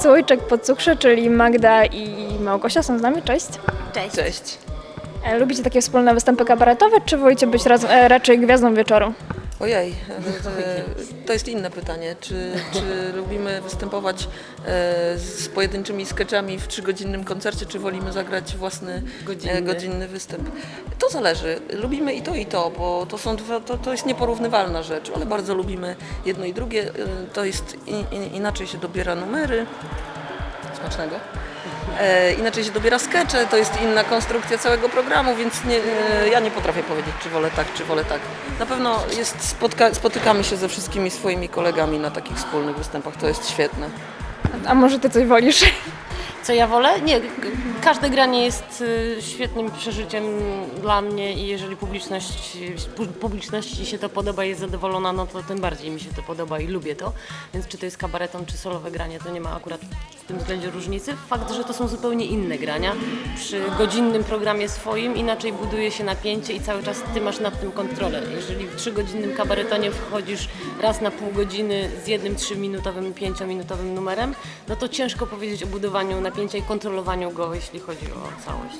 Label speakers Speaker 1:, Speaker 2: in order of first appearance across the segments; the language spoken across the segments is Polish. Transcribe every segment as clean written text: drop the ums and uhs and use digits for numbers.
Speaker 1: Słoiczek po cukrze, czyli Magda i Małgosia są z nami. Cześć.
Speaker 2: Cześć.
Speaker 3: Cześć.
Speaker 1: Lubicie takie wspólne występy kabaretowe, czy wolicie być raczej gwiazdą wieczoru?
Speaker 3: Ojej, to jest inne pytanie. Czy lubimy występować z pojedynczymi sketchami w 3-godzinnym koncercie, czy wolimy zagrać własny godzinny występ? To zależy. Lubimy i to, bo to jest nieporównywalna rzecz, ale bardzo lubimy jedno i drugie. To jest inaczej się dobiera numery. Smacznego. Inaczej się dobiera skecze, to jest inna konstrukcja całego programu, więc ja nie potrafię powiedzieć, czy wolę tak, czy wolę tak. Na pewno spotykamy się ze wszystkimi swoimi kolegami na takich wspólnych występach, to jest świetne.
Speaker 1: A może ty coś wolisz?
Speaker 2: Co ja wolę? Nie, każde granie jest świetnym przeżyciem dla mnie i jeżeli publiczności się to podoba i jest zadowolona, no to tym bardziej mi się to podoba i lubię to. Więc czy to jest kabareton, czy solowe granie, to nie ma akurat w tym względzie różnicy. Fakt, że to są zupełnie inne grania. Przy godzinnym programie swoim inaczej buduje się napięcie i cały czas ty masz nad tym kontrolę. Jeżeli w 3-godzinnym kabaretonie wchodzisz raz na pół godziny z jednym 3-minutowym, 5-minutowym numerem, no to ciężko powiedzieć o budowaniu napięcia i kontrolowaniu go, jeśli chodzi o całość.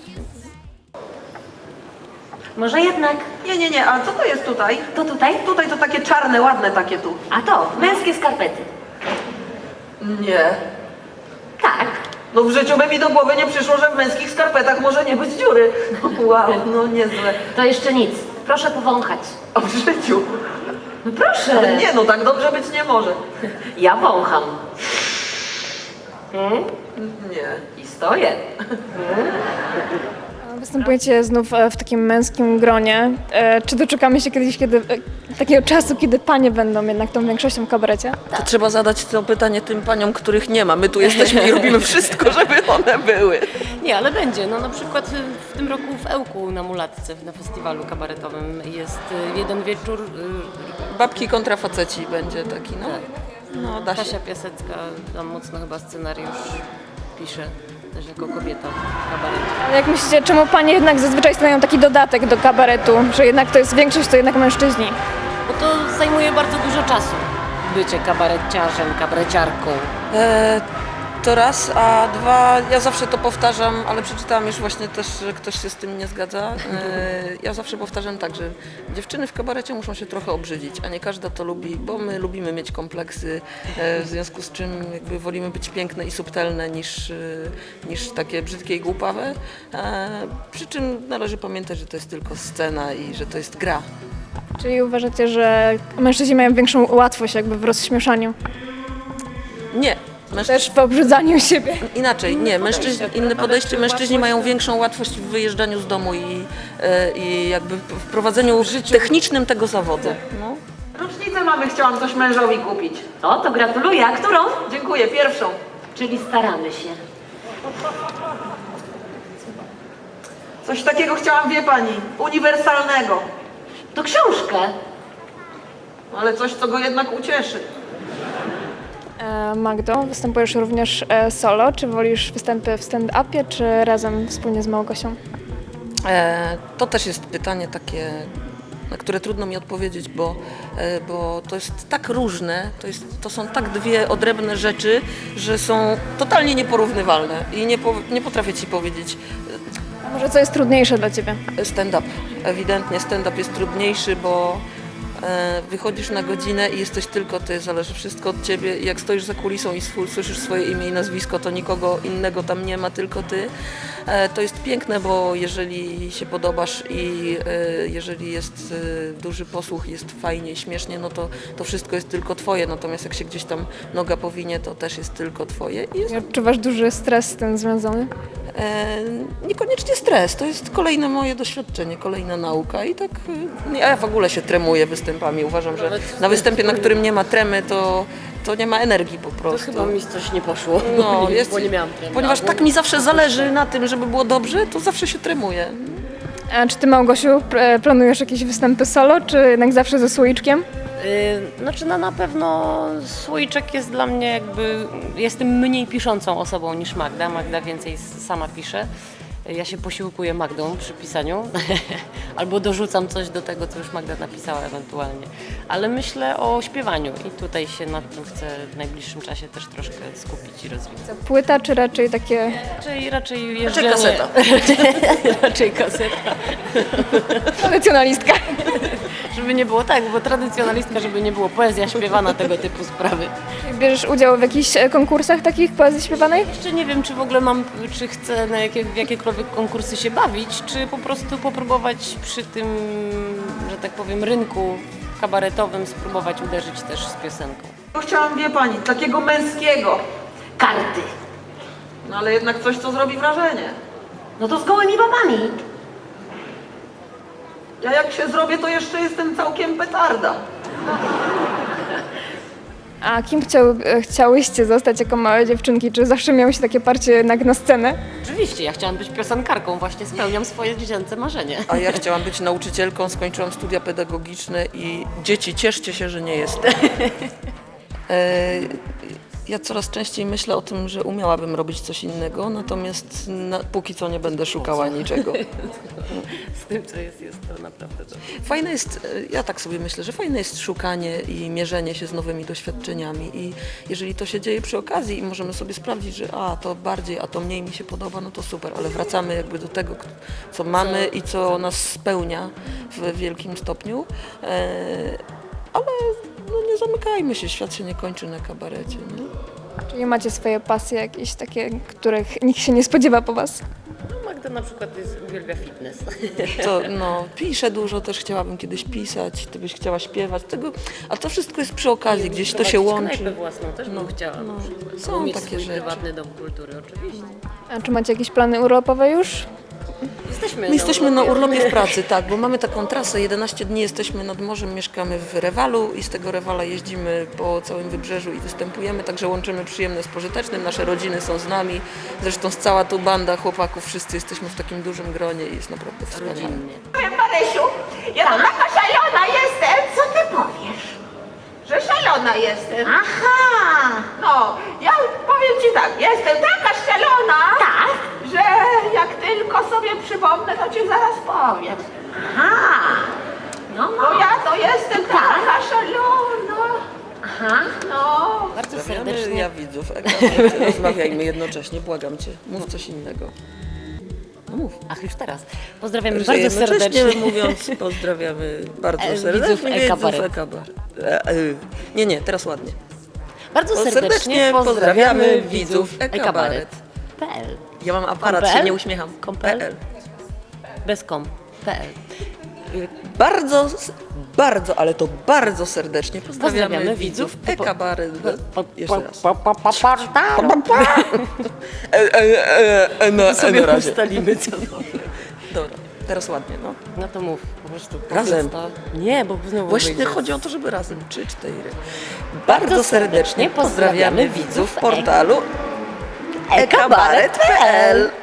Speaker 4: Może jednak
Speaker 5: Nie, a co to jest tutaj?
Speaker 4: to tutaj?
Speaker 5: Tutaj to takie czarne, ładne takie tu.
Speaker 4: A to, męskie skarpety.
Speaker 5: Nie.
Speaker 4: Tak.
Speaker 5: No w życiu by mi do głowy nie przyszło, że w męskich skarpetach może nie być dziury. Wow, no niezłe.
Speaker 4: To jeszcze nic. Proszę powąchać.
Speaker 5: A w życiu?
Speaker 4: No proszę.
Speaker 5: Nie, no tak dobrze być nie może.
Speaker 4: Ja wącham.
Speaker 5: Nie.
Speaker 4: I stoję.
Speaker 1: Występujecie znów w takim męskim gronie. Czy doczekamy się kiedyś takiego czasu, kiedy panie będą jednak tą większością w kabarecie?
Speaker 3: To trzeba zadać to pytanie tym paniom, których nie ma. My tu jesteśmy i robimy wszystko, żeby one były.
Speaker 2: Nie, ale będzie. No na przykład w tym roku w Ełku na Mulatce, na festiwalu kabaretowym jest jeden wieczór.
Speaker 3: Babki kontra faceci będzie taki, no. No, da się.
Speaker 2: Kasia Piasecka tam mocno chyba scenariusz pisze, też jako kobieta kabaretu.
Speaker 1: Ale jak myślicie, czemu panie jednak zazwyczaj stanowią taki dodatek do kabaretu, że jednak to jest większość, to jednak mężczyźni?
Speaker 2: Bo to zajmuje bardzo dużo czasu. Bycie kabareciarzem, kabareciarką.
Speaker 3: To raz, a dwa, ja zawsze to powtarzam, ale przeczytałam już właśnie też, że ktoś się z tym nie zgadza. Ja zawsze powtarzam tak, że dziewczyny w kabarecie muszą się trochę obrzydzić, a nie każda to lubi, bo my lubimy mieć kompleksy, w związku z czym jakby wolimy być piękne i subtelne niż takie brzydkie i głupawe. Przy czym należy pamiętać, że to jest tylko scena i że to jest gra.
Speaker 1: Czyli uważacie, że mężczyźni mają większą łatwość jakby w rozśmieszaniu?
Speaker 3: Nie.
Speaker 1: Też w obrzydzaniu siebie?
Speaker 3: Inaczej, nie, inne podejście, mężczyźni mają większą łatwość w wyjeżdżaniu z domu i jakby w prowadzeniu technicznym tego zawodu. No.
Speaker 5: Rocznicę mamy, chciałam coś mężowi kupić.
Speaker 4: O, to gratuluję. A którą?
Speaker 5: Dziękuję, pierwszą.
Speaker 4: Czyli staramy się.
Speaker 5: Coś takiego chciałam, wie pani, uniwersalnego.
Speaker 4: To książkę.
Speaker 5: Ale coś, co go jednak ucieszy.
Speaker 1: Magdo, występujesz również solo. Czy wolisz występy w stand-upie, czy razem wspólnie z Małgosią?
Speaker 3: To też jest pytanie takie, na które trudno mi odpowiedzieć, bo to jest tak różne, to są tak dwie odrębne rzeczy, że są totalnie nieporównywalne i nie potrafię ci powiedzieć.
Speaker 1: A może co jest trudniejsze dla ciebie?
Speaker 3: Stand-up. Ewidentnie stand-up jest trudniejszy, bo wychodzisz na godzinę i jesteś tylko ty, zależy wszystko od ciebie i jak stoisz za kulisą i słyszysz swoje imię i nazwisko, to nikogo innego tam nie ma, tylko ty. To jest piękne, bo jeżeli się podobasz i jeżeli jest duży posłuch, jest fajnie, śmiesznie, no to wszystko jest tylko twoje, natomiast jak się gdzieś tam noga powinie, to też jest tylko twoje. I
Speaker 1: Odczuwasz duży stres z tym związany?
Speaker 3: niekoniecznie stres, to jest kolejne moje doświadczenie, kolejna nauka i tak ja w ogóle się tremuję występami. Uważam, że na występie, na którym nie ma tremy, to nie ma energii po
Speaker 2: To
Speaker 3: prostu.
Speaker 2: chyba mi coś nie poszło,
Speaker 3: No,
Speaker 2: bo nie miałam tremy.
Speaker 3: ponieważ tak mi zawsze zależy na tym, żeby było dobrze, to zawsze się tremuję.
Speaker 1: A czy ty, Małgosiu, planujesz jakieś występy solo, czy jednak zawsze ze słoiczkiem?
Speaker 2: Znaczy na pewno Słoiczek jest dla mnie jakby, jestem mniej piszącą osobą niż Magda. Magda więcej sama pisze. Ja się posiłkuję Magdą przy pisaniu, albo dorzucam coś do tego, co już Magda napisała ewentualnie. Ale myślę o śpiewaniu i tutaj się nad tym chcę w najbliższym czasie też troszkę skupić i rozwijać.
Speaker 1: Płyta czy raczej takie
Speaker 2: Raczej jeżdżenie.
Speaker 3: kaseta.
Speaker 2: Raczej kaseta.
Speaker 1: tradycjonalistka?
Speaker 2: Żeby nie było tak, bo tradycjonalistka, żeby nie było poezja śpiewana, tego typu sprawy.
Speaker 1: Bierzesz udział w jakichś konkursach takich poezji śpiewanej?
Speaker 2: Jeszcze nie wiem, czy w ogóle czy chcę w jakiekolwiek konkursy się bawić, czy po prostu popróbować przy tym, że tak powiem, rynku kabaretowym spróbować uderzyć też z piosenką.
Speaker 5: Chciałam, wie pani, takiego męskiego.
Speaker 4: Karty.
Speaker 5: No ale jednak coś, co zrobi wrażenie.
Speaker 4: No to z gołymi babami.
Speaker 5: Ja jak się zrobię, to jeszcze jestem całkiem petarda.
Speaker 1: A kim chciałyście zostać jako małe dziewczynki? Czy zawsze miałyście takie parcie jednak na scenę?
Speaker 2: Oczywiście, ja chciałam być piosenkarką, właśnie spełniam swoje dziecięce marzenie.
Speaker 3: A ja chciałam być nauczycielką, skończyłam studia pedagogiczne i dzieci, cieszcie się, że nie jestem. Ja coraz częściej myślę o tym, że umiałabym robić coś innego, natomiast póki co nie będę szukała niczego.
Speaker 2: Z tym, co jest to naprawdę to.
Speaker 3: Fajne jest, ja tak sobie myślę, że fajne jest szukanie i mierzenie się z nowymi doświadczeniami i jeżeli to się dzieje przy okazji i możemy sobie sprawdzić, że to bardziej, a to mniej mi się podoba, no to super, ale wracamy jakby do tego, co mamy i co nas spełnia w wielkim stopniu, ale no nie zamykajmy się, świat się nie kończy na kabarecie. Nie?
Speaker 1: Czyli macie swoje pasje jakieś takie, których nikt się nie spodziewa po was?
Speaker 2: No, Magda na przykład uwielbia fitness.
Speaker 3: To piszę dużo, też chciałabym kiedyś pisać, ty byś chciała śpiewać, a to wszystko jest przy okazji, gdzieś to się łączy.
Speaker 2: Knajpę własną też bym chciała.
Speaker 3: no,
Speaker 2: na przykład.
Speaker 3: są
Speaker 2: Mieć
Speaker 3: takie
Speaker 2: swój
Speaker 3: rzeczy.
Speaker 2: prywatny dom kultury, oczywiście.
Speaker 1: A czy macie jakieś plany urlopowe już?
Speaker 3: My jesteśmy na urlopie w pracy, tak, bo mamy taką trasę, 11 dni jesteśmy nad morzem, mieszkamy w Rewalu i z tego Rewala jeździmy po całym wybrzeżu i występujemy, także łączymy przyjemne z pożytecznym, nasze rodziny są z nami, zresztą cała tu banda chłopaków, wszyscy jesteśmy w takim dużym gronie i jest naprawdę wspaniale.
Speaker 2: Rodzinnie.
Speaker 6: Powiem Marysiu, ja taka szalona jestem.
Speaker 4: Co ty powiesz?
Speaker 6: Że szalona jestem.
Speaker 4: Aha!
Speaker 6: No, ja powiem ci tak, jestem taka szalona,
Speaker 4: Tak?
Speaker 6: że jak tylko sobie przypomnę, to ci zaraz powiem.
Speaker 4: Aha! No,
Speaker 6: Bo ja to jestem taka szalona.
Speaker 4: Aha!
Speaker 6: No,
Speaker 2: Bardzo
Speaker 3: Pozdrawiamy
Speaker 2: serdecznie.
Speaker 3: ja widzów, rozmawiajmy jednocześnie, błagam cię, mów coś innego. No mów.
Speaker 2: Ach, już teraz. Pozdrawiamy
Speaker 3: Że
Speaker 2: bardzo
Speaker 3: jednocześnie
Speaker 2: serdecznie.
Speaker 3: mówiąc, pozdrawiamy bardzo
Speaker 2: Widzów
Speaker 3: serdecznie
Speaker 2: e-kabaret.
Speaker 3: e-kabaret. Nie, teraz ładnie.
Speaker 2: Bardzo
Speaker 3: Serdecznie
Speaker 2: serdecznie
Speaker 3: pozdrawiamy
Speaker 2: pozdrawiamy
Speaker 3: widzów
Speaker 2: widzów
Speaker 3: e-kabaret.
Speaker 2: e-kabaret.pl.
Speaker 3: Ja mam aparat,
Speaker 2: Kom.pl?
Speaker 3: się nie uśmiecham.
Speaker 2: Kom.pl? Bez kom.pl.
Speaker 3: Bardzo, ale to bardzo serdecznie pozdrawiamy
Speaker 2: Pozdrawiamy
Speaker 3: widzów
Speaker 2: widzów
Speaker 3: e-kabaret. Jeszcze raz. Na
Speaker 2: Sobie
Speaker 3: razie.
Speaker 2: ustalimy co.
Speaker 3: Dobra, teraz ładnie, no.
Speaker 2: No to mów, po prostu.
Speaker 3: Razem.
Speaker 2: Nie, bo znowu
Speaker 3: Właśnie
Speaker 2: wyjdzie.
Speaker 3: chodzi o to, żeby razem. 3, 4. Bardzo serdecznie pozdrawiamy widzów portalu e-kabaret.pl.